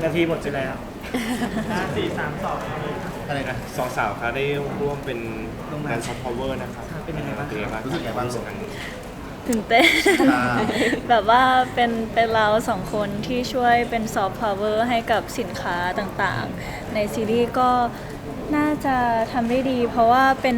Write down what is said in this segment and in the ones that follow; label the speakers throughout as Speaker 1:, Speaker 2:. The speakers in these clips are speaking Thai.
Speaker 1: 1 นาทีหมดไปแล้ว5 4 3 2
Speaker 2: อะไรนะสองสาวคะได้ร่วมเป็นงานซอฟต์พาวเวอร์นะครับ
Speaker 1: เป็นยังไงบ้าง
Speaker 2: รู้สึกไงบ้าง
Speaker 3: ตื่นเต้น
Speaker 2: อ่า
Speaker 3: แบบว่าเป็นเราสองคนที่ช่วยเป็นซอฟต์พาวเวอร์ให้กับสินค้าต่างๆในซีรีส์ก็น่าจะทำได้ดี เพราะว่าเป็น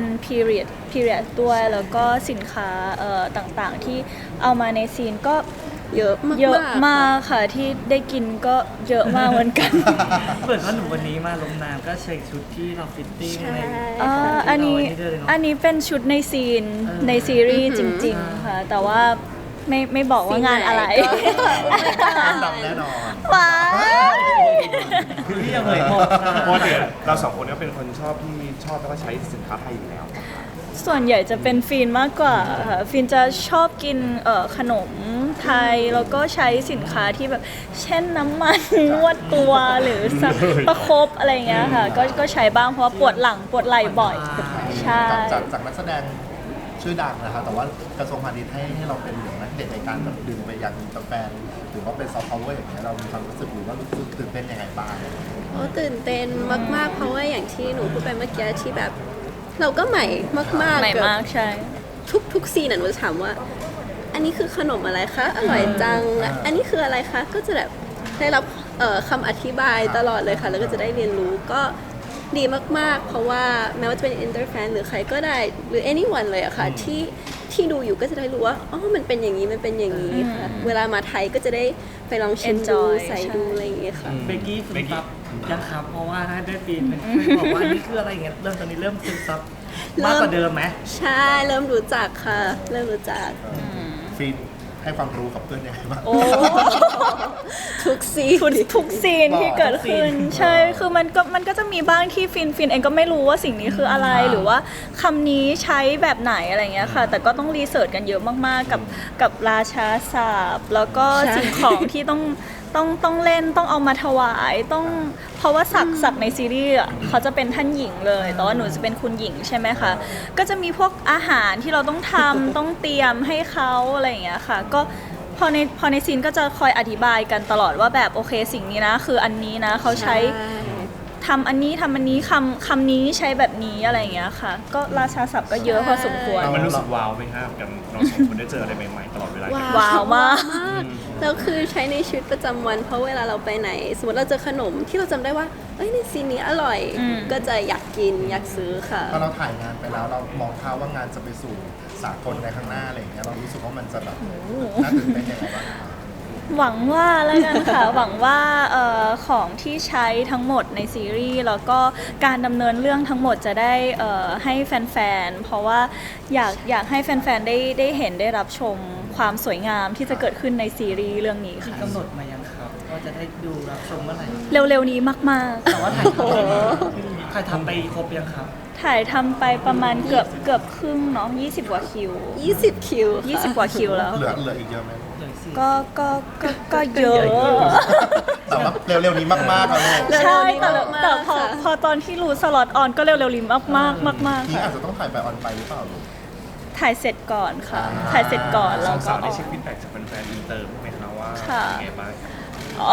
Speaker 3: period ด้วยแล้วก็สินค้าต่างๆที่เอามาในซีนก็เยอะมากค่ะที่ได้กินก็เยอะมากเหมือนกัน
Speaker 1: เปิดว่าหนูวันนี้มาลงน้ำก็ใส่ชุดที่เราฟิตติ้งใน
Speaker 3: อันนี้เป็นชุดในซีนในซีรีส์จริงๆค่ะแต่ว่าไม่บอกว่างานอะไร
Speaker 2: ดำแน่นอน
Speaker 3: ว้า
Speaker 1: พี่ยังเลยหมด
Speaker 2: เพราะเดี๋ยวเราสองคนก็เป็นคนชอบแล้วก็ใช้สินค้าไทยอยู่แล้ว
Speaker 3: ส่วนใหญ่จะเป็นฟีนมากกว่าค่ะฟีนจะชอบกินขนมไทยแล้วก็ใช้สินค้าที่แบบเช่นน้ำมันนวดตัวหรือประคบอะไรเงี้ยค่ะก็ใช้บ้างเพราะว่าปวดหลังปวดไหล่บ่อยใช่
Speaker 4: จากนักแสดงชื่อดังนะครับแต่ว่ากระทรวงพาณิชย์ให้เราเป็นเหมือนนักเด็ดในการแบบดึงไปยังอินเตอร์แฟนหรือว่าเป็นซอฟต์พาวเวอร์อย่างเงี้ยเรามีความรู้สึกหรือว่ารู้สึกตื่นเต้นยังไงบ้าง
Speaker 5: โอ้ตื่นเต้นมากๆ เพราะว่าอย่างที่หนูพูดไปเมื่อกี้ที่แบบ เราก็ใหม่มากๆ
Speaker 3: ใหม่
Speaker 5: แบบ
Speaker 3: มากใช่
Speaker 5: ทุกซีนหนูจะถามว่า อันนี้คือขนมอะไรคะอร่อยจัง อันนี้คืออะไรคะก็จะแบบได้รับคำอธิบายตลอดเลยค่ะ แล้วก็จะได้เรียนรู้ก็ดีมากๆ เพราะว่าแม้ว่าจะเป็นอินเตอร์แฟนหรือใครก็ได้หรือ anyone เลยอะค่ะที่ดูอยู่ก็จะได้รู้ว่าอ๋อมันเป็นอย่างนี้มันเป็นอย่างนี้ค่ะเวลามาไทยก็จะได้ไปลองชิมดู
Speaker 3: Enjoy
Speaker 5: ใส่ดูอะไรอย่างเงี้ยค่ะ
Speaker 1: เบกกี้ซึมซับยังครับเพราะว่าถ้าได้ปีนเป็นบอกว่านี่คืออะไรอย่างเงี้ยตอนนี้เริ่มซึมซับมากกว่าเดิมไหม
Speaker 5: ใช่เริ่มรู้จักค่ะ เริ่มรู้จัก
Speaker 4: ฟีนให้ความรู้กับเพื่อนยังไงบ้าง
Speaker 3: โอ้
Speaker 5: ทุกซีน
Speaker 3: ทุกซีนที่เกิดขึ้นใช่คือมันก็จะมีบ้างที่ฟินเองก็ไม่รู้ว่าสิ่งนี้คืออะไรหรือว่าคำนี้ใช้แบบไหนอะไรเงี้ยค่ะ แต่ก็ต้องรีเสิร์ชกันเยอะมากๆกับราชาศัพท์แล้วก็สิ่งของที่ต้องเล่นต้องเอามาถวายต้องเพราะว่าศักในซีรีส์เขาจะเป็นท่านหญิงเลยแต่ว่าหนูจะเป็นคุณหญิงใช่ไหมคะก็จะมีพวกอาหารที่เราต้องทำ ต้องเตรียมให้เขาอะไรอย่างเงี้ยค่ะก็พอในซีนก็จะคอยอธิบายกันตลอดว่าแบบโอเคสิ่งนี้นะคืออันนี้นะเขาใช้ทำอันนี้คำนี้ใช้แบบนี้อะไรอย่างเงี้ยค่ะก็ราชาศัพท์ก็เยอะพอสมควร
Speaker 2: มันรู้สึกว้าวไหมครับกับเราสองคนได้เจออะไรใหม่ๆตลอดเวลา
Speaker 3: ว้าวมาก
Speaker 5: แล้วคือใช้ในชีวิตประจำวันเพราะเวลาเราไปไหน สมมติเราเจอขนมที่เราจำได้ว่าเอ้ยในซีนนี้อร่อย ก็จะอยากกินอยากซื้อค่ะ
Speaker 4: พอเราถ่ายงานไปแล้วเรามองภาพว่างานจะไปสู่สากลในข้างหน้าอะไรอย่างเงี้ยเรารู้สึกว่ามันจะแบบน่าตื่นเต้นยังไงบ้างครับ
Speaker 3: หวังว่าแล้วกันค่ะ หวังว่าของที่ใช้ทั้งหมดในซีรีส์แล้วก็การดำเนินเรื่องทั้งหมดจะได้ให้แฟนๆเพราะว่าอยากให้แฟนๆได้เห็นได้รับชมความสวยงามที่จะเกิดขึ้นในซีรีส์เรื่องนี้
Speaker 1: มี
Speaker 3: ค่ะ
Speaker 1: กำหนดมายังครับว่าจะได้ดูรับชมเมื่อไหร่
Speaker 3: เร็วๆนี้มากๆ
Speaker 1: แต่ว่าถ่ายทำไปครบยังครับ
Speaker 3: ถ่ายทำไปประมาณเกือบครึ่งเนาะ20 กว่าคิว
Speaker 5: 20 คิวค่ะ
Speaker 3: 20 กว่าคิวแล้ว
Speaker 4: เหลืออีกเยอะไหม
Speaker 3: ก็เยอะ
Speaker 4: แต่ว่าเร็วๆนี้มากๆเอาเลย
Speaker 3: ใช่แต่
Speaker 5: เร็วๆนี้มากๆ
Speaker 3: แต่พอ
Speaker 5: ค่ะ
Speaker 3: พอตอนที่รู้สล็อตออนก็เร็วๆลิมมากๆ
Speaker 4: นี่
Speaker 3: ค่ะ
Speaker 4: อาจจะต้องถ่ายไปออนไปหรือเปล่าลูก
Speaker 3: ถ่ายเสร็จก่อนค่ะ ถ่ายเสร็จก่อน
Speaker 2: ส
Speaker 3: แล้
Speaker 2: อ
Speaker 3: ว
Speaker 2: ง
Speaker 3: ก็
Speaker 2: สาว
Speaker 3: อ
Speaker 2: ได้
Speaker 3: อก
Speaker 2: เช็คฟีดแบ็กจากแฟนๆอินเตอร์ไหมครับว่า
Speaker 3: ค่ะ
Speaker 2: เป็นไงบ้างครับ
Speaker 3: อ๋อ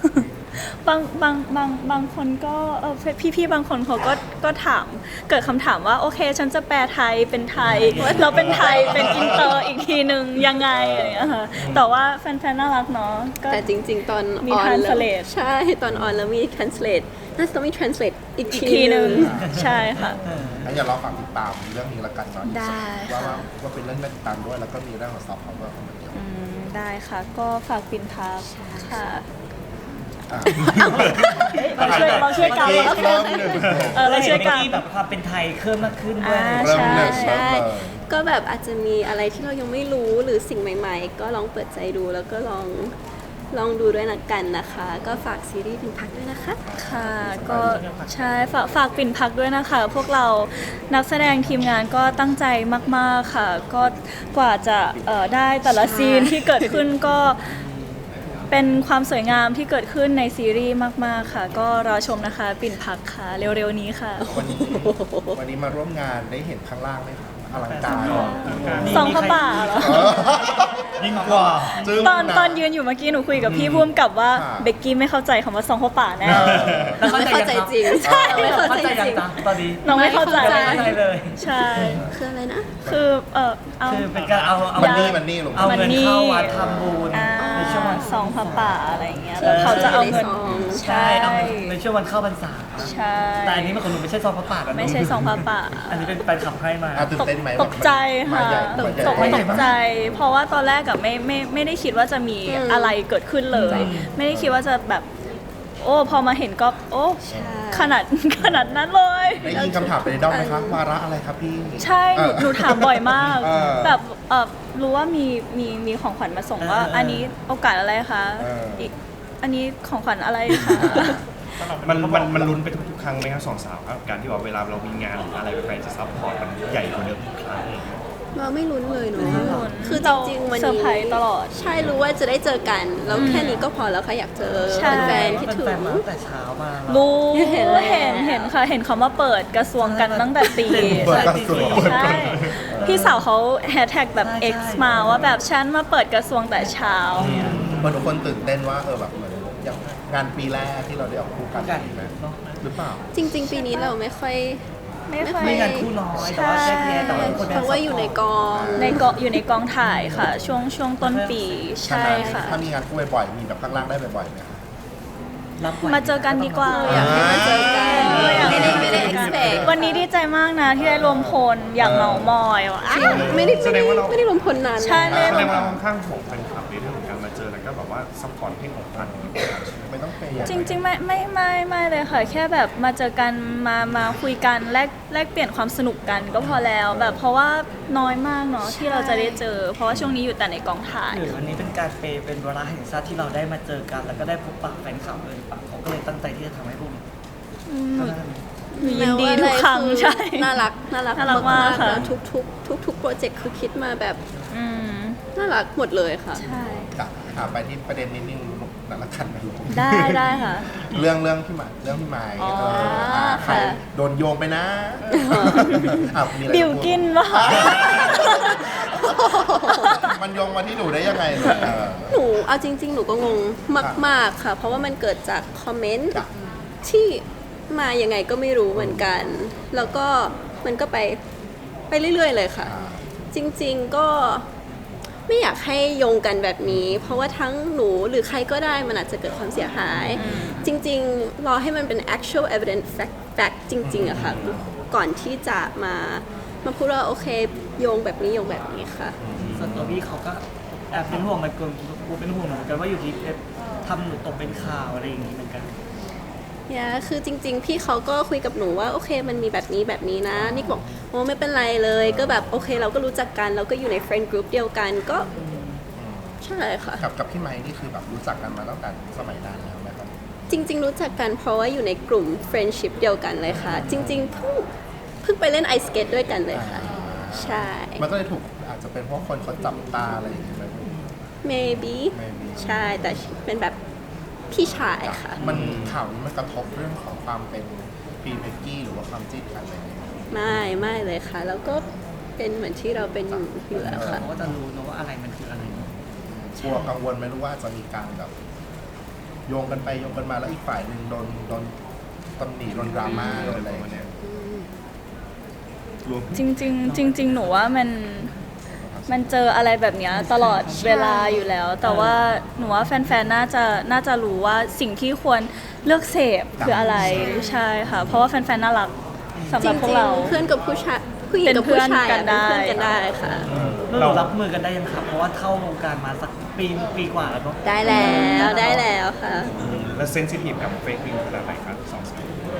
Speaker 3: บางคนก็พี่บางคนเขาก็ถามเกิดคำถามว่าโอเคฉันจะแปลไทยเป็นไทยเราเป็นไทยเป็นอินเตอร์อีกทีนึงยังไงอะไรอย่างเงี้ยค่ะแต่ว่าแฟนๆน่ารักเนาะก็
Speaker 5: แต่จริงๆ ตอน
Speaker 3: มี
Speaker 5: ออนแล้ว
Speaker 3: translate
Speaker 5: ใช่ตอนออนแล้วมี translate น่าจะต้องมี translate อีก
Speaker 3: อีก
Speaker 5: ที
Speaker 3: ทีนึง
Speaker 5: นึง
Speaker 3: ใช่ค่ะ
Speaker 4: งั้นอย่าเราฝากติดตามเรื่องนี้ละกันเนาะ
Speaker 3: ได้
Speaker 4: ว่า
Speaker 3: ค่ะ
Speaker 4: ว่าเป็นเรื่องน่าติดตามด้วยแล้วก็มีเรื่องของซอฟต์พาวเวอร์เข้ามาเกี่ยว
Speaker 3: ได้ค่ะ ก็ฝากปินทับค่ะ
Speaker 4: อ่ะ
Speaker 3: เราช่วยกัน
Speaker 4: เมื่อกี้
Speaker 3: เรา
Speaker 4: เริ่มหนึ่ง
Speaker 3: เราช่วยกัน
Speaker 1: มีแบบความเป็นไทยเพิ่มมากขึ้นด้วย
Speaker 4: เริ่ม
Speaker 3: ใช่
Speaker 4: หนึ่ง
Speaker 5: ใช่
Speaker 4: เริ่มเลย
Speaker 5: ก็แบบอาจจะมีอะไรที่เรายังไม่รู้หรือสิ่งใหม่ๆ ก็ลองเปิดใจดูแล้วก็ลองดูด้วยนะกันนะคะ ก็ฝากซีรีส์เป็นพักด้วยนะคะ
Speaker 3: ค่ะก็ใช่ฝากปิ่นพักด้วยนะคะ พวกเรานักแสดงทีมงานก็ตั้งใจมากๆค่ะ ก็กว่าจะได้แต่ละซีนที่เกิดขึ้นก็เป็นความสวยงามที่เกิดขึ้นในซีรีส์มากๆค่ะ ก็รอชมนะคะปิ่นพักค่ะ เร็วๆนี้ค่ะ
Speaker 4: วันนี้มาร่วมงานได้เห็นข้างล่างไหมครับอลังการ
Speaker 3: ซองผ้าป่าเหรอ
Speaker 1: ยิ่งกว่า
Speaker 4: จึ้ง
Speaker 3: ตอนยืนอยู่เมื่อกี้หนูคุยกับพี่พุ่มกับว่า
Speaker 4: ค่ะ
Speaker 3: เบกกี้ไม่เข้าใจคำว่าซองผ้าป่าแน่
Speaker 1: แล้ว
Speaker 5: ไม่เข้าใจจริง
Speaker 1: ใช่
Speaker 5: ไม่เข้าใจ
Speaker 1: ยัง
Speaker 5: จริง
Speaker 1: จ๊ะตอนนี้
Speaker 3: น้องไม่เข้าใจ
Speaker 1: ไม่เข้าใจเลย
Speaker 3: ใช่
Speaker 5: คืออะไรนะ
Speaker 3: คือเอา
Speaker 1: คือเป็นการเอา
Speaker 4: มันนี่ลง
Speaker 1: เอาเงินเข้าวัดทำบุญ
Speaker 3: อ่า
Speaker 1: ในช่วงวัน
Speaker 3: ซองผ้าป่าอะไรอย่างเงี้ยแล้วเขาจะเอาเงิน
Speaker 1: ใช่เอาในช่วงวันเข้าพรรษา
Speaker 3: ใช่
Speaker 1: แต่อันนี้มันของหนูไม่ใช่ซองพระป่ากัน
Speaker 3: ไม่ใช่ซองผ้าป่า
Speaker 1: อันนี้เป็นแฟนคลับให้มา
Speaker 4: ตื่นเต้นไหม
Speaker 3: ตกใจค่ะ
Speaker 4: ตก
Speaker 3: ตกใจ เพราะว่าตอนแรกอะไม่ได้คิดว่าจะมีอะไรเกิดขึ้นเลย ไม่ได้คิดว่าจะแบบ โอ้พอมาเห็นก็โอ้
Speaker 5: ใช่
Speaker 3: ขนาดนั้นเลย
Speaker 4: ได้ยินคำถามไปในด้อมไหมคะวาระอะไรครับพี่
Speaker 3: ใช่หนูถามบ่อยมาก
Speaker 4: เออ
Speaker 3: แบบรู้ว่ามีของขวัญมาส่งว่า อันนี้โอกาสอะไรคะ
Speaker 4: เอออี
Speaker 3: กอันนี้ของขวัญอะไรคะ
Speaker 2: มันลุ้นไปทุกครั้งไหมครับสองสาวครับการที่ว่าเวลาเรามีงานหรืออะไรแฟนๆจะซัพพอร์ตมันใหญ่กว่าเดิมทุกครั้งอะไรอย่างเงี้ย
Speaker 5: เราไม่ลุ้นเลยเนาะ
Speaker 3: ไม่ลุ้น
Speaker 5: คือจริงๆวัน
Speaker 3: เซอร์
Speaker 5: นี้
Speaker 3: ไพรส์ตลอด
Speaker 5: ใช่รู้ว่าจะได้เจอกันแล้วแค่นี้ก็พอแล้วค่ะอยากเจอ
Speaker 3: ใช่
Speaker 5: แฟนๆคิดถึง
Speaker 1: แฟนๆมาตั้งแต่เช้ามา
Speaker 3: รู้
Speaker 5: เห็นแล้ว
Speaker 3: เห็นค่ะ เห็นเขามาเปิดกระทรวงกันตั้งแต่ตี
Speaker 4: เปิดกระทรวง
Speaker 3: ใช่ พี่สาวเขาแฮชแท็กแบบ X มาว่าแบบฉันมาเปิดกระทรวงแต่เช้า
Speaker 4: มันทุกคนตื่นเต้นว่าแบบเหมือนอย่างงานปีแรกที่เราได้ออกคู่กัน
Speaker 1: กัน
Speaker 4: ไหม
Speaker 1: เนาะ
Speaker 4: หรือเปล่า
Speaker 5: จริง ๆ ปีนี้เราไม่ค่อย
Speaker 3: ไม่ค่อย
Speaker 1: ไม่งานคู่น้อยแต่ว่าแยกแยะแต่ว่าทุกคน
Speaker 5: เพราะว่าอยู่ในกอง
Speaker 3: อยู่ในกองถ่ายค่ะ ช่วงต้นปีใช่ค่ะ
Speaker 4: ถ้ามีงานคู่บ่อยๆ มีแบบข้างล่างได้บ่อยๆไหมคะ
Speaker 1: รับไหว
Speaker 3: มาเจอกันดีกว่า
Speaker 5: อยากให้มาเจอกัน
Speaker 3: อยากให้
Speaker 5: ไม่ได้ expect
Speaker 3: วันนี้ดีใจมากนะที่ได้รวมพลอยากเมามอยว่ะ
Speaker 2: แสดงว่าเรา
Speaker 5: ไม่ได้รวมพลนาน
Speaker 3: ใช่ไม่
Speaker 2: แส
Speaker 3: ได้
Speaker 2: ด
Speaker 3: รว
Speaker 2: ง
Speaker 3: ม
Speaker 2: ว่าเราค่อนข้างห่วงแฟนคลับในเรื่องของการมาเจอแล้วก็แบบว่าซัพพอร์ตให้ของขวัญอย่างเงี้ยใช่ไหม
Speaker 4: ไม่ต้องเปย์
Speaker 3: จริงๆไม่เลยค่ะ แค่แบบมาเจอกันมาคุยกันแลกเปลี่ยนความสนุกกันก็พอแล้วแบบเพราะว่าน้อยมากเนาะที่เราจะได้เจอ เพราะว่าช่วงนี้อยู่แต่ในกองถ่าย
Speaker 1: หรือวันนี้เป็นการเปย์เป็นเวลาแห่งชาติที่เราได้มาเจอกัน แล้วก็ได้พบปะแฟนคลับเลยปะเขาก็เลยตั้งใจที่จะทำให้พวกนี้
Speaker 3: หนูยินดีทุกครั้งใช่
Speaker 5: น่ารัก
Speaker 3: น่ารักมากค่ะ
Speaker 5: แล้วทุกโปรเจกต์คือคิดมาแบบ
Speaker 3: อืม
Speaker 5: น่ารักหมดเลยค่ะ
Speaker 3: ใช่
Speaker 4: ถามไปที่ประเด็นนิดนึงนั่นละกันนะลูก
Speaker 3: ได้ค่ะ
Speaker 4: เรื่องพี่หมายเรื่องพี่หมาย
Speaker 3: อ๋อ
Speaker 4: ใคร
Speaker 3: ค่ะ
Speaker 4: โดนโยงไปนะมีอะไร
Speaker 3: บิวกินปะ
Speaker 4: มันโยงมาที่หนูได้ยังไงลูก
Speaker 5: หนูเอาจริง ๆ หนูก็งงมาก ๆ ค่ะ เพราะว่ามันเกิดจากคอมเมนต์
Speaker 4: จ้ะ
Speaker 5: ที่มายังไงก็ไม่รู้เหมือนกัน แล้วก็มันก็ไปเรื่อย ๆ เลยค่ะ จริง ๆ ก็ไม่อยากให้โยงกันแบบนี้ เพราะว่าทั้งหนูหรือใครก็ได้มันอาจจะเกิดความเสียหาย จริง ๆ รอให้มันเป็น actual evidence fact จริง ๆอะค่ะ ก่อนที่จะมาพูดว่าโอเคโยงแบบนี้โยงแบบนี้ค่ะ
Speaker 1: ส่วนตัวพี่เขาก็แอบเป็นห่วงเหมือนกันกูเป็นห่วงเหมือนกันว่าอยู่ที่ทำหนูตกเป็นข่าวอะไรอย่างนี้เหมือนกัน
Speaker 5: คือจริง ๆ พี่เขาก็คุยกับหนูว่าโอเคมันมีแบบนี้นะนี่บอกโอ้ไม่เป็นไรเลยก็แบบโอเคเราก็รู้จักกันเราก็อยู่ใน friend group เดียวกันก็ใช่ค่ะ
Speaker 4: กับพี่ไมค์นี่คือแบบรู้จักกันมาตั้งแต่สมัยนานแล้วไหมครับ
Speaker 5: จริง ๆ รู้จักกันเพราะว่าอยู่ในกลุ่ม friendship เดียวกันเลยค่ะ จริง ๆ เพิ่งไปเล่นไอสเกตด้วยกันเลยค่ะ ใช่
Speaker 4: มันก็เลยถูกอาจจะเป็นเพราะคนเขาจับตาอะไรอย่างเงี้ยไหม
Speaker 5: maybe
Speaker 4: Maybe
Speaker 5: ใช่แต่เป็นแบบพี่ชายค่ะ
Speaker 4: มันข่าวนี้มันกระทบเรื่องของความเป็นพีเมกกี้หรือว่าความจิ้นกันอะไรอย่างเงี้ย
Speaker 5: ไม่เลยค่ะ แล้วก็เป็นเหมือนที่เราเป็นอยู่แล้วค่ะ
Speaker 1: เขาก็จะรู้นะว่าอะไรมันคืออะไร
Speaker 4: กลัวกังวลไหมรู้ว่าจะมีการแบบโยงกันไปโยงกันมาแล้วอีกฝ่ายหนึ่งโดนตำหนิโดนดราม่าโดนอะไรอย่างเงี้ย
Speaker 3: จริงๆหนูว่ามันเจออะไรแบบเนี้ยตลอดเวลาอยู่แล้ว แต่ว่าหนูว่าแฟนๆน่าจะรู้ว่าสิ่งที่ควรเลือกเสพคืออะไรใช่ค่ะ เพราะว่าแฟนๆน่ารักสำห
Speaker 5: จ
Speaker 3: รับพว
Speaker 5: ริ
Speaker 3: ก
Speaker 5: ง
Speaker 3: เรา
Speaker 5: ๆเพื่อนกับผู้ชายผู้หญิงกับผู้ชาย
Speaker 3: เป็นเพื่อนกันได้
Speaker 5: เป็นเพื่อนกันได้ค่ะ
Speaker 1: แล้วเรารับมือกันได้ยังครับเพราะว่าเข้าวงการมาสักปีกว่าแล้วเนาะ
Speaker 5: ได้แล้วค่ะ
Speaker 2: แล้วเซนซิทีฟกับเฟกนิวส์ขนาดไหนครับสองสาว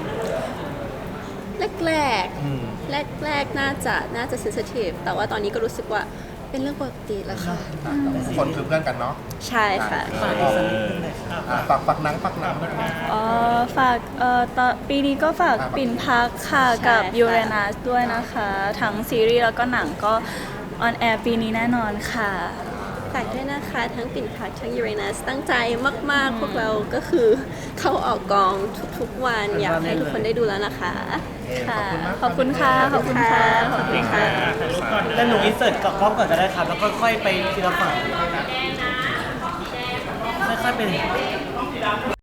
Speaker 5: แรกน่าจะเซนซิทีฟแต่ว่าตอนนี้ก็รู้สึกว่าเป็นเรื่องปกติแล้วค่ะ
Speaker 4: คนคือเพื่อนกันเนาะ
Speaker 5: ใช่ค่ะ
Speaker 1: ฝากอีกสักนิดนึงหน่อยครับ
Speaker 4: ปักหนัง
Speaker 3: ฝากปีนี้ก็ฝากปิ่นพักค่ะกับ
Speaker 5: ใช่ค่ะ
Speaker 3: ยูเรนัสด้วยนะคะ ทั้งซีรีส์แล้วก็หนังก็ออนแอร์ปีนี้แน่นอนค่ะ
Speaker 5: ฝากด้วยนะคะ ทั้งปิ่นพักทั้งยูเรนัสตั้งใจมากๆ พวกเราก็คือเข้าออกกองทุกๆวัน อยากให้ทุกคนได้ดูแล้วนะคะ
Speaker 3: ค่ะ ขอบคุณค่ะ ขอบคุณค่ะ ขอบคุณค่ะ
Speaker 1: แล้วหนูอินเสิร์ตกับกล้องก่อนก็ได้ครับ แล้วค่อยๆไปทีละฝั่งค่อยๆไป